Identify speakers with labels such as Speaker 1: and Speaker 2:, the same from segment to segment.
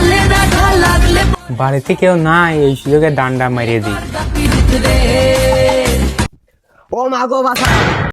Speaker 1: বাড়িতে কেউ নাই, এই সুযোগে ডান্ডা মারিয়ে দিই।
Speaker 2: ও মা গো বাসা।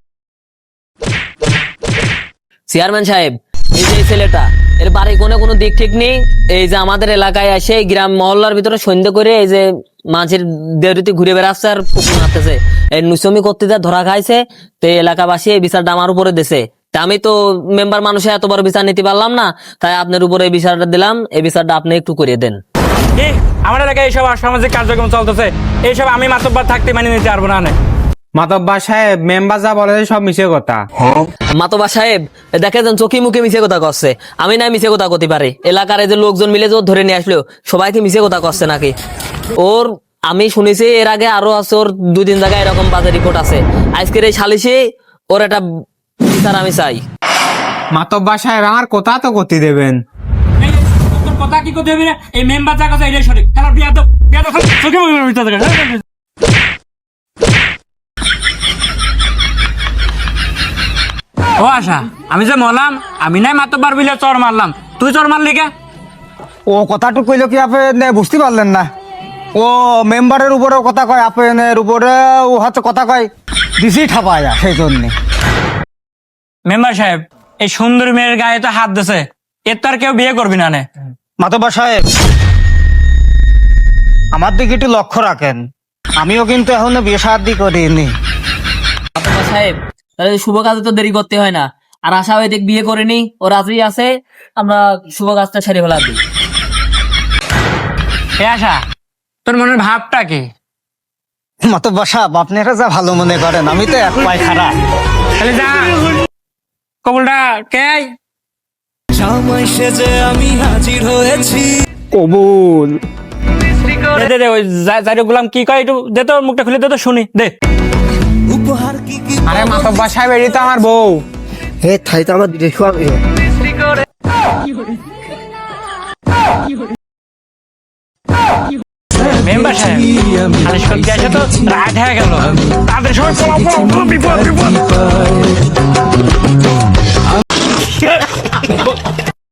Speaker 3: চেয়ারম্যান সাহেব, এই যে ছেলেটা, এর বাড়ি কোনো দিক ঠিক নেই। এই যে আমাদের এলাকায় এসে গ্রাম মহল্লার ভিতরে সন্ধ্যে করে এই যে মাঝের দেরিতে ঘুরে বেড়াচ্ছে আর পুকুর মারতেছে, এই নুসমি করতে যা ধরা খাইছে। তো এলাকাবাসী এই বিচারটা আমার উপরে দিছে। তা আমি তো মেম্বার মানুষে এত বড় বিচার নিতে পারলাম না, তাই আপনার উপরে এই বিচারটা দিলাম। এই বিচারটা আপনি একটু করিয়ে দেন।
Speaker 4: আমার এলাকায় এইসব অসামাজিক কার্যক্রম চলতেছে, এইসব আমি মাতব্বর থাকতে মানে নিতে পারবো না।
Speaker 1: মাতব্বর সাহেব, মেম্বার যা বলে সব মিছে কথা।
Speaker 3: মাতবা সাহেব, দেখে যান চোখে মুখে মিছে কথা করছে। আমি নাই মিছে কথা করতে পারি? এলাকার এই যে লোকজন মিলে যে ওর ধরে নিয়ে আসলো, সবাইকে মিছে কথা করছে নাকি? ওর আমি শুনেছি এর আগে আরো আছে, ওর 2-3 জায়গায় এরকম বাজে রিপোর্ট আছে। আজকের এই সালিশে ওর একটা বিচার আমি চাই।
Speaker 1: মাতব্বর সাহেব, আমার কথা তো করতে দেবেন।
Speaker 4: কথা কি করতে হবে? এই মেম্বার যা কথা এটাই সঠিক। খেলার বিয়া দাও, চোখে মুখে। ও আশা, আমি যে মরলাম, আমি নাই মাতব্বর বিলে চর মারলাম, তুই চর মারলি কে?
Speaker 2: ও কথাটু কইলো কি আপনি বুঝতে পারলেন না? ও মেম্বারের উপরেও কথা কয়, আপনার উপরে ও হচ্ছে কথা কয়, দিছি ঠাপায়া সেই জন্যে।
Speaker 4: মেম্বার সাহেব, এই সুন্দর মেয়ের গায়ে তো হাত দিছে, এর তো আর কেউ বিয়ে করবি না।
Speaker 2: মাতব্বর সাহেব, আমার দিকে একটু লক্ষ্য রাখেন, আমিও কিন্তু এখনো বিয়ে শাদী করিনি।
Speaker 3: মাতবা সাহেব, তাহলে শুভ কাজে তো দেরি করতে হয় না। আর আশা ওই দিক বিয়ে করেনি, ও রাত্রি আছে, আমরা শুভ কাজটা সেরে ফেলা দিই।
Speaker 4: এ আশা, তোর মনের ভাবটা কি?
Speaker 2: মাতব্বর সাহেব, আপনারা যা ভালো মনে করেন, আমি তো এক পায় খারাপ।
Speaker 4: তাহলে যা, কবুলটা কে?
Speaker 5: জামাই সেজে আমি হাজির হয়েছি।
Speaker 2: কবুল।
Speaker 4: দে দে, ওই জাইরে গুলাম কি কয় একটু দে, তো মুখটা খুলে দে তো শুনি, দে।
Speaker 5: উপহার কি কি
Speaker 1: আরে মাতব্বর সাহেব, এটি তো আমার বউ।
Speaker 2: হে থাই তো আমার দেখো আমি।
Speaker 4: মেম্বার সাহেব, সালিশ করতে আসে তো রাত হয়ে গেল, তাদের সবাই পলাও, বিপদ।